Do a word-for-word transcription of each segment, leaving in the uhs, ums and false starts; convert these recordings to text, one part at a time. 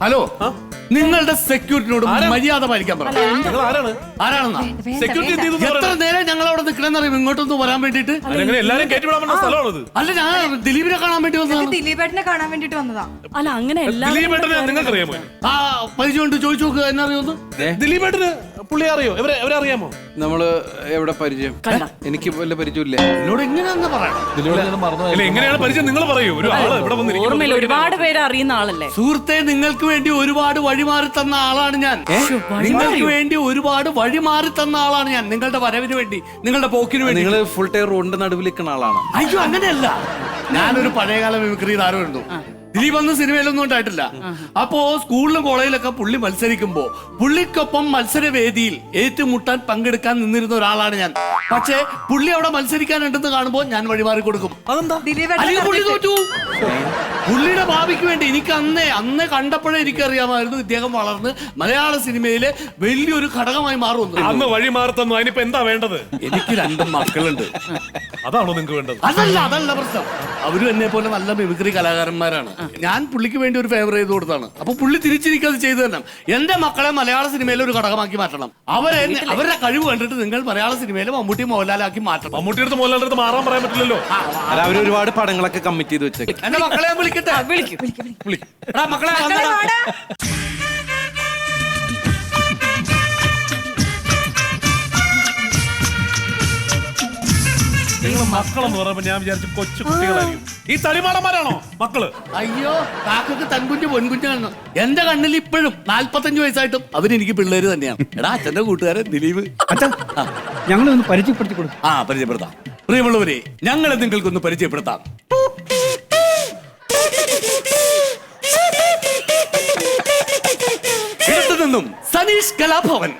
Hello, നിങ്ങളുടെ സെക്യൂരിറ്റിനോട് മര്യാദ പാലിക്കാൻ പറഞ്ഞു. ആരാണെന്നാ സെക്യൂരിറ്റി എത്ര നേരം ഞങ്ങൾ അവിടെ നിൽക്കണമെന്നറിയും ഇങ്ങോട്ടൊന്ന് വരാൻ വേണ്ടിട്ട്? എല്ലാരും കയറ്റിവിടാൻ സ്ഥലമാണത്. അല്ല, ഞാൻ ദിലീപിനെ കാണാൻ വേണ്ടി വന്നതാണ്. ദിലീപേട്ടനെ കാണാൻ വേണ്ടിട്ട് വന്നതാ. അല്ല അങ്ങനെ ദിലീപേട്ടനെ നിങ്ങൾക്ക് അറിയാമോ? ആ പരിചയം ഉണ്ട്, ചോദിച്ചു നോക്കുക, എന്നെ അറിയുമെന്ന്. ദിലീപേട്ടന് പുള്ളി അറിയോ? ഇവരെ ഇവരെ അറിയാമോ? നമ്മള് എവിടെ പരിചയം? എനിക്ക് വല്ല പരിചയമില്ല. എന്നോട് എങ്ങനെയാന്ന് പറയാം. അല്ല, എങ്ങനെയാണ് പരിചയം? നിങ്ങൾ പറയൂ. ഒരു ആള് ഇവിടെ ഓർമ്മയില്ല, ഒരുപാട് പേര് അറിയുന്ന ആളല്ലേ. സുഹൃത്തെ, നിങ്ങൾക്ക് വേണ്ടി ഒരുപാട് വഴിമാറി തന്ന ആളാണ് ഞാൻ. നിങ്ങൾക്ക് വേണ്ടി ഒരുപാട് വഴിമാറി തന്ന ആളാണ് ഞാൻ. നിങ്ങളുടെ വരവിന് വേണ്ടി, നിങ്ങളുടെ പോക്കിന് വേണ്ടി. നിങ്ങള് ഫുൾ ടൈം റോഡിന്റെ നടുവിൽ നിൽക്കുന്ന ആളാണ്. അയ്യോ, അങ്ങനെയല്ല. ഞാനൊരു പഴയകാല മിമിക്രി താരമായിരുന്നു. ദിലീപ് അന്ന് സിനിമയിലൊന്നും ഉണ്ടായിട്ടില്ല. അപ്പോ സ്കൂളിലും കോളേജിലൊക്കെ പുള്ളി മത്സരിക്കുമ്പോ പുള്ളിക്കൊപ്പം മത്സരവേദിയിൽ ഏറ്റുമുട്ടാൻ പങ്കെടുക്കാൻ നിന്നിരുന്ന ഒരാളാണ് ഞാൻ. പക്ഷേ പുള്ളി അവിടെ മത്സരിക്കാനുണ്ടെന്ന് കാണുമ്പോൾ ഞാൻ വഴിമാറി കൊടുക്കും. അല്ലെങ്കിൽ പുള്ളി തോറ്റു. പുള്ളിയുടെ ഭാവിക്ക് വേണ്ടി എനിക്ക് അന്നേ അന്നേ കണ്ടപ്പോഴേ എനിക്കറിയാമായിരുന്നു ഇദ്ദേഹം വളർന്ന് മലയാള സിനിമയിലെ വലിയൊരു ഘടകമായി മാറുമെന്ന്. അന്ന് വഴിമാറി തന്നു. അതിനിപ്പോ എന്താ വേണ്ടത്? എനിക്ക് രണ്ടും മക്കളുണ്ട്. അതാണോ നിങ്ങൾക്ക് വേണ്ടത്? അതല്ല, അതല്ല പ്രശ്നം. അവരും എന്നെ പോലെ നല്ല മിമിക്രി കലാകാരന്മാരാണ്. ഞാൻ പുള്ളിക്ക് വേണ്ടി ഒരു ഫേവർ ചെയ്ത് കൊടുത്താണ്. അപ്പൊ പുള്ളി തിരിച്ചിരിക്കത് ചെയ്തു തന്നെ. എന്റെ മക്കളെ മലയാള സിനിമയിലെ ഒരു ഘടകമാക്കി മാറ്റണം. അവരെ അവരുടെ കഴിവ് കണ്ടിട്ട് നിങ്ങൾ മലയാള സിനിമയിലെ മമ്മൂട്ടി മോഹൻലാലാക്കി മാറ്റണം. മമ്മൂട്ടി അടുത്ത് മോഹൻലാലിന്റെ അടുത്ത് മാറാൻ പറയാൻ പറ്റില്ലല്ലോ. അവർ ഒരുപാട് പടങ്ങളൊക്കെ കമ്മിറ്റ് ചെയ്ത് വെച്ചേക്കും. എന്റെ മക്കളെ ഞാൻ വിളിക്കട്ടെ. എടാ മക്കളെ, നിങ്ങൾ മക്കളെന്ന് പറയുമ്പോ ഞാൻ വിചാരിച്ചു കൊച്ചു കുട്ടികളായിരിക്കും. ഈ തളിമാടന്മാരാണോ മക്കള്? അയ്യോ, കാക്കക്ക് തൻകുഞ്ഞ് പൊൻകുഞ്ഞാണ്. എന്റെ കണ്ണിൽ ഇപ്പോഴും നാല്പത്തഞ്ചു വയസ്സായിട്ടും അവരെനിക്ക് പിള്ളേര് തന്നെയാണ്. എടാ, അച്ഛന്റെ കൂട്ടുകാരൻ ദിലീപ്. ഞങ്ങളൊന്ന് പരിചയപ്പെടുത്തി കൊടുക്കും. ആ, പരിചയപ്പെടുത്താം. പ്രിയമുള്ളവരെ, ഞങ്ങളെ നിങ്ങൾക്കൊന്ന് പരിചയപ്പെടുത്താം. ഇടത്തു നിന്നും സനീഷ് കലാഭവൻ,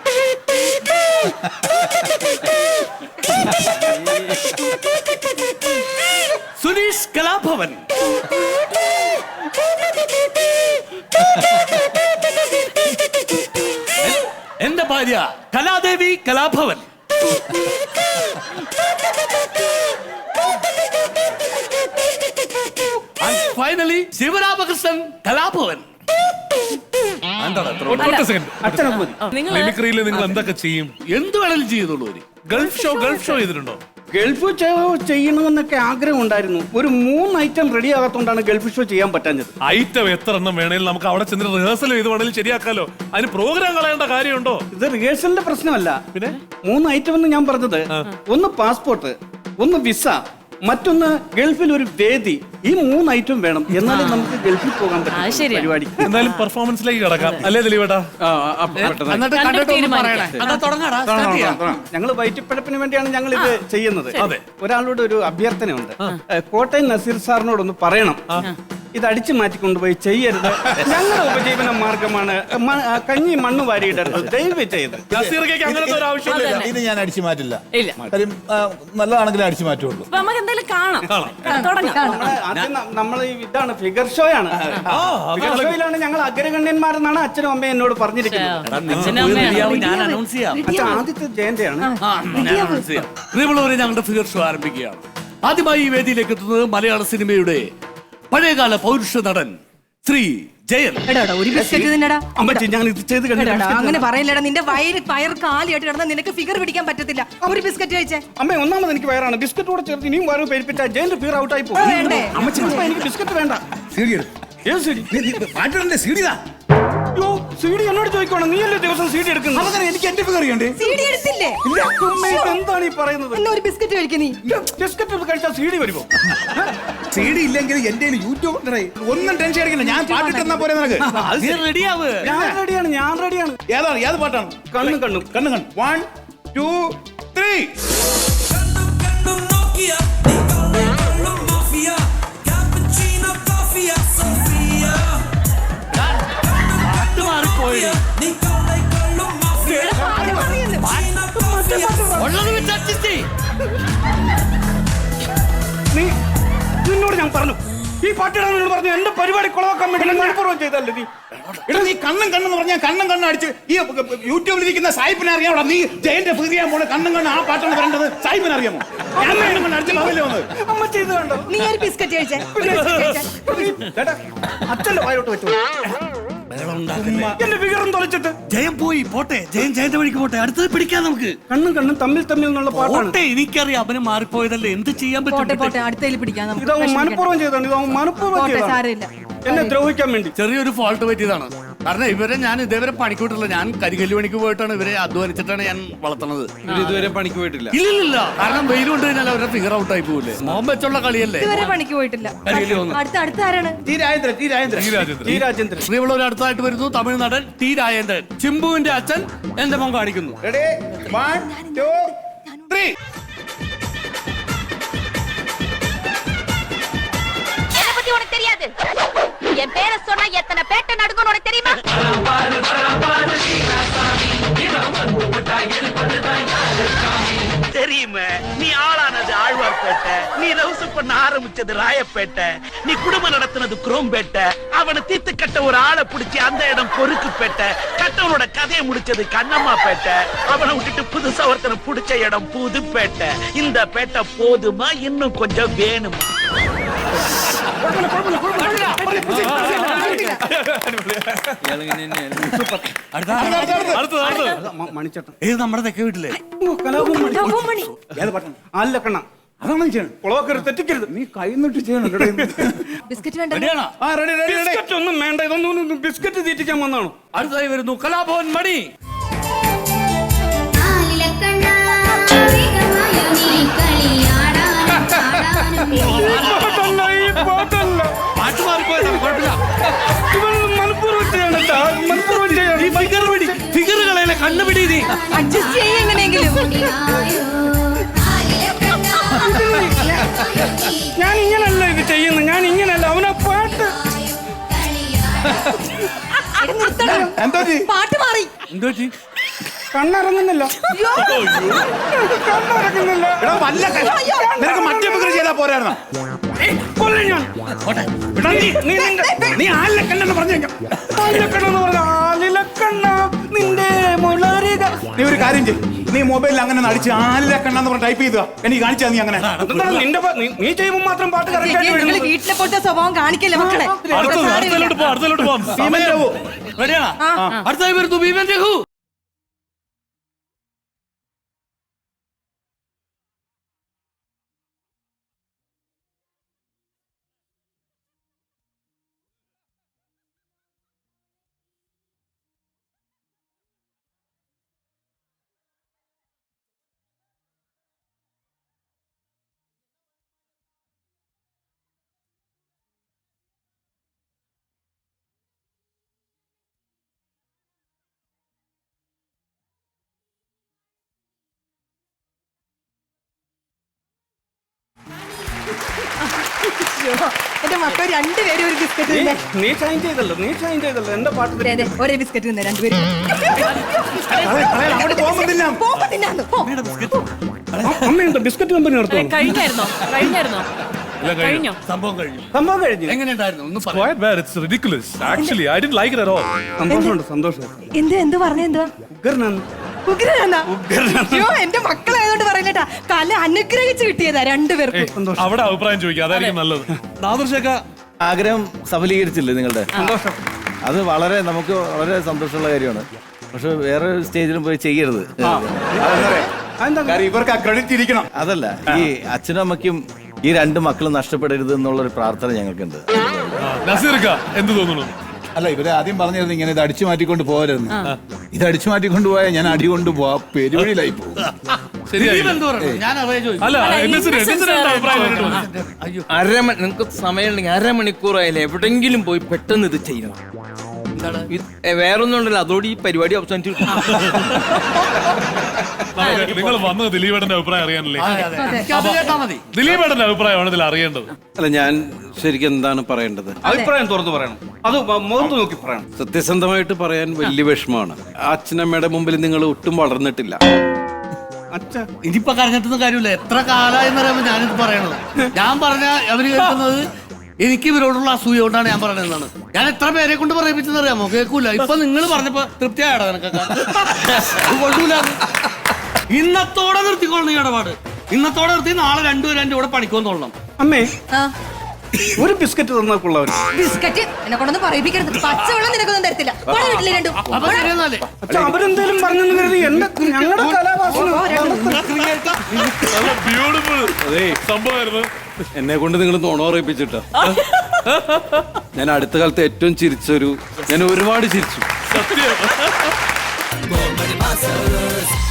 സുനീഷ് കലാഭവൻ, എന്റെ ഭാര്യ കലാദേവി കലാഭവൻ, ഫൈനലി ശിവരാമകൃഷ്ണൻ കലാഭവൻ. മിമിക്രിയിൽ നിങ്ങൾ എന്തൊക്കെ ചെയ്യും? എന്ത് വേണമെങ്കിലും ചെയ്യുന്നുള്ളൂ. ഗൾഫ് ഷോ ഗൾഫ് ഷോ ചെയ്തിട്ടുണ്ടോ? ഗൾഫ് ഷോ ചെയ്യണമെന്നൊക്കെ ആഗ്രഹം ഉണ്ടായിരുന്നു. ഒരു മൂന്ന് ഐറ്റം റെഡി ആകാത്തോണ്ടാണ് ഗൾഫ് ഷോ ചെയ്യാൻ പറ്റാഞ്ഞത്. ഐറ്റം എത്ര എണ്ണം വേണേലും നമുക്ക് അവിടെ ചെന്ന് റിഹേഴ്സൽ ചെയ്ത് വേണേലും ശരിയാക്കാലോ. അതിന് പ്രോഗ്രാം കളയേണ്ട കാര്യമുണ്ടോ? ഇത് റിഹേഴ്സലിന്റെ പ്രശ്നമല്ല. പിന്നെ മൂന്ന് ഐറ്റം എന്ന് ഞാൻ പറഞ്ഞത്, ഒന്ന് പാസ്പോർട്ട്, ഒന്ന് വിസ, മറ്റൊന്ന് ഗൾഫിൽ ഒരു വേദി. ഈ മൂന്ന് ഐറ്റം വേണം, എന്നാലും നമുക്ക് ഗൾഫിൽ പോകാൻ പറ്റും പരിപാടി. എന്തായാലും പെർഫോമൻസിലേക്ക് കിടക്കാം അല്ലേ ദിലീപേട്ടാ? ഞങ്ങൾ വയറ്റിപ്പഴപ്പിന് വേണ്ടിയാണ് ഞങ്ങൾ ഇത് ചെയ്യുന്നത്. ഒരാളോട് ഒരു അഭ്യർത്ഥനയുണ്ട്. കോട്ടയം നസീർ സാറിനോടൊന്ന് പറയണം, ഇത് അടിച്ചു മാറ്റിക്കൊണ്ടുപോയി ചെയ്യരുത്. ഞങ്ങളുടെ ഉപജീവന മാർഗമാണ്. കഞ്ഞി മണ്ണ് വാരിയിടരുത്, ദയവ് ചെയ്ത്. അങ്ങനത്തെ ഒരു ആവശ്യമില്ല. ഇത് ഞാൻ അടിച്ചു മാറ്റില്ല. കാര്യം നല്ലതാണെങ്കിലും അടിച്ചു മാറ്റുള്ളൂ. നമ്മൾ ഇതാണ് ഫിഗർ ഷോ ആണ്. ഫിഗർ ഷോയിലാണ് ഞങ്ങൾ അഗ്രഗണ്യന്മാരെന്നാണ് അച്ഛനും അമ്മയും എന്നോട് പറഞ്ഞിരിക്കുന്നത്. ആദ്യത്തെ ജയന്തിയാണ്. ഞങ്ങളുടെ ഫിഗർ ഷോ ആരംഭിക്കുകയാണ്. ആദ്യമായി ഈ വേദിയിലേക്ക് എത്തുന്നത് മലയാള സിനിമയുടെ പഴയകാല പൗരുഷ നടൻ ശ്രീ ജയൻ. ഒരു ബിസ്ക്കറ്റ് തിന്നടാ. അമ്മച്ചി, ഞാൻ ഇത് ചെയ്ത് അങ്ങനെ പറയില്ലടാ. നിന്റെ വയറ് വയർ കാലിയായിട്ട് കിടന്നാൽ നിനക്ക് ഫിഗർ പിടിക്കാൻ പറ്റത്തില്ല. ഒരു ബിസ്ക്കറ്റ് കഴിച്ചേ. അമ്മ, ഒന്നാമത് എനിക്ക് വയറാണ്. ബിസ്ക്കറ്റ് കൂടെ ചേർത്ത് ഇനിയും വയറ് പേരിപ്പിച്ചാൽ ജയന്റെ ഫിഗർ ഔട്ട് ആയി പോകും. അമ്മച്ചി, എനിക്ക് ബിസ്ക്കറ്റ് വേണ്ട. ഏത് സീഡി? സീഡി എന്നോട് ചോദിക്കണം. നീയല്ലേ ദിവസം സീഡി എടുക്കുന്നത്? എനിക്ക് എന്റെ ഫിഗർ ചെയ്യണ്ടേ? സീഡി എടുത്തില്ലേ? എന്താണ് ഈ പറയുന്നത്? ഒരു ബിസ്ക്കറ്റ് കഴിക്കുന്നീ. ബിസ്ക്കറ്റ് കഴിച്ചാൽ സീഡി വരുമോ? സീഡി ഇല്ലെങ്കിൽ എന്റെ യൂട്യൂബ് ഒന്നും ടെൻഷൻ അടിക്കണ്ട. ഞാൻ പാട്ടിട്ടെന്നാ പോലെ നിനക്ക്. ഞാൻ റെഡിയാണ്, ഞാൻ റെഡിയാണ്. ഏതാണ്? ഏത് പാട്ടാണ്? കണ്ണും കണ്ണും കണ്ണും കണ്ണും. One two three. നീ നിന്നോട് ഞാൻ പറഞ്ഞു, ഈ പാട്ടിടാൻ പറഞ്ഞു എന്റെ പരിപാടി കുളവാക്കാൻ വേണ്ടി മനഃപൂർവ്വം ചെയ്തല്ലേ നീ? എടാ, നീ കണ്ണും കണ്ണെന്ന് പറഞ്ഞാൽ കണ്ണും കണ്ണും അടിച്ച് ഈ യൂട്യൂബിൽ ഇരിക്കുന്ന സായിപ്പിനെ അറിയാമോ? നീ ജയന്റെ ഫിഗർ പോലെ കണ്ണും കണ്ണും ആ പാട്ടാണ് പറയേണ്ടത്. സായിപ്പിനെ അറിയാമോ? അമ്മ ചെയ്ത് കണ്ടോ? നീ ഒരു ബിസ്ക്കറ്റ് കഴിച്ചേ. അച്ഛന്റെ വായോട്ട് വെച്ചു. ബഹളം ഉണ്ടാക്കല്ലേ. എന്റെ ഫിഗറും തൊലച്ചിട്ട് ജയം പോയി പോട്ടെ, ജയം ജയന്റെ വഴിക്ക് പോട്ടെ, അടുത്തത് പിടിക്കാം നമുക്ക്. കണ്ണും കണ്ണും തമ്മിൽ തമ്മിൽ എന്നുള്ള പാട്ടാണ്. പോട്ടെ, എനിക്കറിയാം അവന് മാറിപ്പോയതല്ലേ, എന്ത് ചെയ്യാൻ പോട്ടെ പറ്റും. പോട്ടെ അടുത്തതിൽ പിടിക്കാം നമുക്ക്. ഇതാവും വിഷമിക്കണ്ട. മനഃപൂർവ്വം ചെയ്താണ്. ഇതാവും മനഃപൂർവ്വം പോട്ടെ, ചെയ്താണ്. സാരമില്ല. എന്നെ ദ്രോഹിക്കാൻ വേണ്ടി. ചെറിയൊരു ഫോൾട്ട് പറ്റിയതാണ്. കാരണം ഇവരെ ഞാൻ ഇതേവരെ പണിക്ക് വിട്ടില്ല. ഞാൻ കരികല്ല് പണിക്ക് പോയിട്ടാണ് ഇവരെ അധ്വാനിച്ചിട്ടാണ് ഞാൻ വളർത്തുന്നത്. ഇവര് ഇതുവരെ പണിക്ക് പോയിട്ടില്ല. ഇല്ലില്ല, കാരണം വെയിൽ കൊണ്ട് കഴിഞ്ഞാൽ അവരുടെ ഫിഗർ ഔട്ട് ആയി പോകില്ലേ. മോൻ വെച്ചുള്ള കളിയല്ലേ. ഇതുവരെ പണിക്ക് പോയിട്ടില്ല. കരികല്ല് വന്നു. അടുത്ത അടുത്ത ആരാണ്? ടി രാജേന്ദ്രൻ ടി രാജേന്ദ്രൻ ഈ രാജ്യത്ത് ടി രാജേന്ദ്രൻ. ശ്രീവുള്ളവർ അടുത്തായിട്ട് വരുന്നു. തമിഴ് നടൻ ടി രാജേന്ദ്രൻ. ചിമ്പുവിന്റെ അച്ഛൻ എന്റെ മോൻ കാണിക്കുന്നു. റെഡി വൺ ടു ത്രീ என்ன பத்தி உனக்கு தெரியாது. என் பேரை சொன்னா எத்தனை பேட்டை நடுங்கன்னு உனக்கு தெரியுமா? தெரியுமே, நீ ஆளானது ஆழ்வார்பேட்டை, நீ ரவுசு பண்ண ஆரம்பிச்சது ராயப்பேட்டை, நீ குடும்பம் நடத்தினது குரோம்பேட்டை, அவனை தீத்து கட்ட ஒரு ஆளை பிடிச்சி அந்த இடம் பொறுக்குப்பேட்டை, கட்டவனோட கதையை முடிச்சது கண்ணம்மா பேட்டை, அவனை விட்டுட்டு புதுசா ஒருத்தனை பிடிச்ச இடம் புதுப்பேட்டை. இந்த பேட்டை போதுமா, இன்னும் கொஞ்சம் வேணுமா? അടുത്തത് അടുത്തത് മ- മണിച്ചട്ടൻ. ഏത് നമ്മുടെ തെക്കേ വീട്ടിലെ ഓ, കലാപം മണി. ലവ്വും മണി. ഏത് പാട്ടാണ്? അല്ല കണ്ണ അതാണ് നീ ചെയ്യണം. കുളവൊക്കെ തെറ്റിക്കരുത്. നീ കൈ നിട്ട് ചെയ്യണം കേട്ടോ ഇത്. ബിസ്ക്കറ്റ് വേണ്ട. റെഡിയാണോ? ആ റെഡി റെഡി റെഡി ബിസ്ക്കറ്റ് ഒന്നും വേണ്ട. ഇതൊന്നും ബിസ്ക്കറ്റ് തീറ്റിക്കാൻ വന്നാണോ? അടുത്തായി വരുന്നു കലാഭവൻ മണി. പാട്ടല്ല, ഈ പാട്ടല്ല. പാട്ട് മാറിപ്പോയതാണ്, കുഴപ്പമില്ല. ഇവനൊന്നും മനഃപൂർവ്വം ചെയ്യണം കേട്ടോ. മനഃപൂർവ്വം ചെയ്യണം. ഈ ഫിഗർ പിടി, ഫിഗർ കളയല്ലേ, കണ്ണ് പിടി നീ. അഡ്ജസ്റ്റ് ചെയ്യ എങ്ങനെയെങ്കിലും. ഞാൻ ഇങ്ങനല്ല ഇത് ചെയ്യുന്നത്. ഞാൻ ഇങ്ങനല്ല. അവനെ പാട്ട് എടി, നിർത്തണം. എന്താ ചെയ്യ്? പാട്ട് മാറി. എന്ത് പറ്റി? കണ്ണിറങ്ങുന്നില്ല. കണ്ണിറങ്ങുന്നില്ല. എടാ വല്ല ക- നിനക്ക് മറ്റേ ഫിഗർ ചെയ്താ പോരായിരുന്നോ? കൊല്ലും ഞാൻ. എടാ, നീ- നീ നിന്റെ- നീ ആലിലെ കണ്ണെന്ന് പറഞ്ഞു കഴിഞ്ഞാ ആലിലക്കണ്ണെന്ന് പറഞ്ഞ ആലിലക്കണ്ണ നിന്റെ മുളരിക. നീ ഒരു കാര്യം ചെയ്യും, നീ മൊബൈലിൽ അങ്ങനെ അടിച്ച് ആലിലെ കണ്ണെന്ന് പറഞ്ഞ് ടൈപ്പ് ചെയ്താ എനിക്ക് കാണിച്ചാ നീ അങ്ങനെ. എന്താണ് നിന്റെ പ- നീ- നീ ചെയ്യുമ്പോൾ മാത്രം പാട്ട് കറക്റ്റ് ആയിട്ട് നിങ്ങൾ വരുന്നത്. വീട്ടിലെ പോലത്തെ സ്വഭാവം കാണിക്കല്ലേ മക്കളെ. അടുത്തത് അടുത്തതിലോട്ട് പോ അടുത്തതിലോട്ട് പോവാം. ഭീമൻ രഘു. റെഡിയാണോ? അടുത്തായി വരുന്നു ഭീമൻ രഘു. എന്റെ മക്കൾ രണ്ടുപേരും ഒരു ബിസ്ക്കറ്റ് തിന്നെ. നീ ഷൈൻ ചെയ്തല്ലോ. നീ ഷൈൻ ചെയ്തല്ലോ. എന്റെ പാട്ട് അതെ, അതെ, ഒരേ ബിസ്ക്കറ്റ് തിന്നെ രണ്ടുപേരും. കളയ, കളയ, അങ്ങോട്ട് പോകുമ്പോ തിന്നാം. പോകുമ്പോ തിന്നാന്ന്. പോ. അമ്മയുണ്ടോ ബിസ്ക്കറ്റ് കമ്പനി ഏ, നടത്തുന്നു? കഴിഞ്ഞായിരുന്നോ കഴിഞ്ഞായിരുന്നോ എല്ലാം കഴിഞ്ഞു. കഴിഞ്ഞോ? സംഭവം കഴിഞ്ഞു. സംഭവം കഴിഞ്ഞു. എങ്ങനെയുണ്ടായിരുന്നു ഒന്ന് പറയാം. Quite bad. It's ridiculous. Actually, I didn't like it at all. സന്തോഷമുണ്ട്. സന്തോഷം. എന്ത് എന്ത് പറഞ്ഞ എന്തുവാ? ഉഗ്രനാണ്. ഉഗ്രനാന്നാ? അയ്യോ എന്റെ മക്കളായതുകൊണ്ട് പറയില്ലട്ടാ. കല അനുഗ്രഹിച്ച് കിട്ടിയതാ രണ്ടുപേർക്കും. അവിടെ അഭിപ്രായം ചോദിക്കാം, അതായിരിക്കും നല്ലത്. നാദർശേഖ ആഗ്രഹം സഫലീകരിച്ചില്ലേ നിങ്ങളുടെ? സന്തോഷം. അത് വളരെ നമുക്ക് വളരെ സന്തോഷമുള്ള കാര്യമാണ്. പക്ഷെ വേറെ സ്റ്റേജിലും പോയി ചെയ്യരുത്. അതെന്താ? കാര്യം ഇവർക്ക് ആ ക്രെഡിറ്റ് ഇരിക്കണം. അതല്ല, ഈ അച്ഛനും അമ്മയ്ക്കും ഈ രണ്ട് മക്കളും നഷ്ടപ്പെടരുത് എന്നുള്ളൊരു പ്രാർത്ഥന ഞങ്ങൾക്കുണ്ട്. നസീർക്ക എന്ത് തോന്നുന്നു? അല്ല, ഇവരെ ആദ്യം പറഞ്ഞിരുന്നു ഇങ്ങനെ ഇത് അടിച്ചു മാറ്റിക്കൊണ്ട് പോകരുതെന്ന്. ഇത് അടിച്ചു മാറ്റിക്കൊണ്ട് പോയാൽ ഞാൻ അടി കൊണ്ട് പോവാ പെരുവഴിയിലായി പോകും. ശരിയായി. ദിലീപ് എന്ത് പറഞ്ഞു? ഞാൻ അറിയാൻ ചോദിച്ചു. അല്ല അല്ല, എന്നസിന് innocence എന്നസിന് എന്താ അഭിപ്രായം ആയിരുന്നു. പറഞ്ഞിട്ട് വന്നത്? അയ്യോ അരമണി നിങ്ങൾക്ക് സമയമുണ്ടെങ്കിൽ അരമണിക്കൂറായാലും എവിടെങ്കിലും പോയി പെട്ടെന്ന് ഇത് ചെയ്യണം. ഇത് വേറൊന്നും ഉണ്ടല്ലോ, അതോടെ ഈ പരിപാടി അവസാനിച്ചു. നമുക്ക് നിങ്ങൾ വന്നത് ദിലീപേട്ടന്റെ അഭിപ്രായം അറിയാനല്ലേ? അതെ, അതെ. എനിക്ക് അത് കേട്ടാ മതി. ദിലീപേട്ടന്റെ അഭിപ്രായമാണ് ഇതിൽ അറിയേണ്ടത്. അല്ല, ഞാൻ ശരിക്കും എന്താണ് പറയേണ്ടത്? അഭിപ്രായം തുറന്നു പറയണം. അത് മ- മുഖത്ത് നോക്കി പറയണം. സത്യസന്ധമായിട്ട് പറയാൻ വലിയ വിഷമമാണ്. അച്ഛനമ്മയുടെ മുമ്പിൽ നിങ്ങൾ ഒട്ടും വളർന്നിട്ടില്ല. അച്ഛ ഇനിയിപ്പൊ കരഞ്ഞിട്ടൊന്നും കാര്യമില്ല. എത്ര കാലമായെന്ന് പറയുമ്പോ ഞാനിത് പറയണത്. ഞാൻ പറഞ്ഞ അവര് കേൾക്കുന്നത് എനിക്ക് ഇവരോടുള്ള അസൂയ കൊണ്ടാണ് ഞാൻ പറയണെന്നാണ്. ഞാൻ എത്ര പേരെ കൊണ്ട് പറയിപ്പിച്ചെന്ന് അറിയാമോ? കേൾക്കൂല. ഇപ്പൊ നിങ്ങൾ പറഞ്ഞപ്പോ തൃപ്തിയായടാ നിനക്കൊക്കെ. അത് കൊള്ളൂല. ഇന്നത്തോടെ നിർത്തിക്കൊള്ളണം ഈ ഇടപാട്. ഇന്നത്തോടെ നിർത്തി നാളെ രണ്ടുപേരും എന്റെ കൂടെ പണിക്കൊന്നോളണം. അമ്മേ, ആ ഒരു ബിസ്ക്കറ്റ് തന്നേക്കുള്ളവർ. ബിസ്ക്കറ്റ് എന്നെ കൊണ്ടൊന്നും പറയിപ്പിക്കരുത്. പച്ചവെള്ളം നിനക്കൊന്നും തരത്തില്ല. പോടാ വീട്ടിലെ രണ്ടും. അപ്പൊ ശരിയെന്നാലേ അച്ഛാ, അവരെന്തേലും പറഞ്ഞെന്ന് കരുതി എന്റെ ഞങ്ങളുടെ കലാവാസന ബ്യൂട്ടിഫുൾ സംഭവമായിരുന്നു. എന്നെ കൊണ്ട് നിങ്ങൾ നുണ പറയിപ്പിച്ചിട്ടാ. ഞാൻ അടുത്ത കാലത്ത് ഏറ്റവും ചിരിച്ചൊരു ഞാൻ ഒരുപാട് ചിരിച്ചു. സത്യം.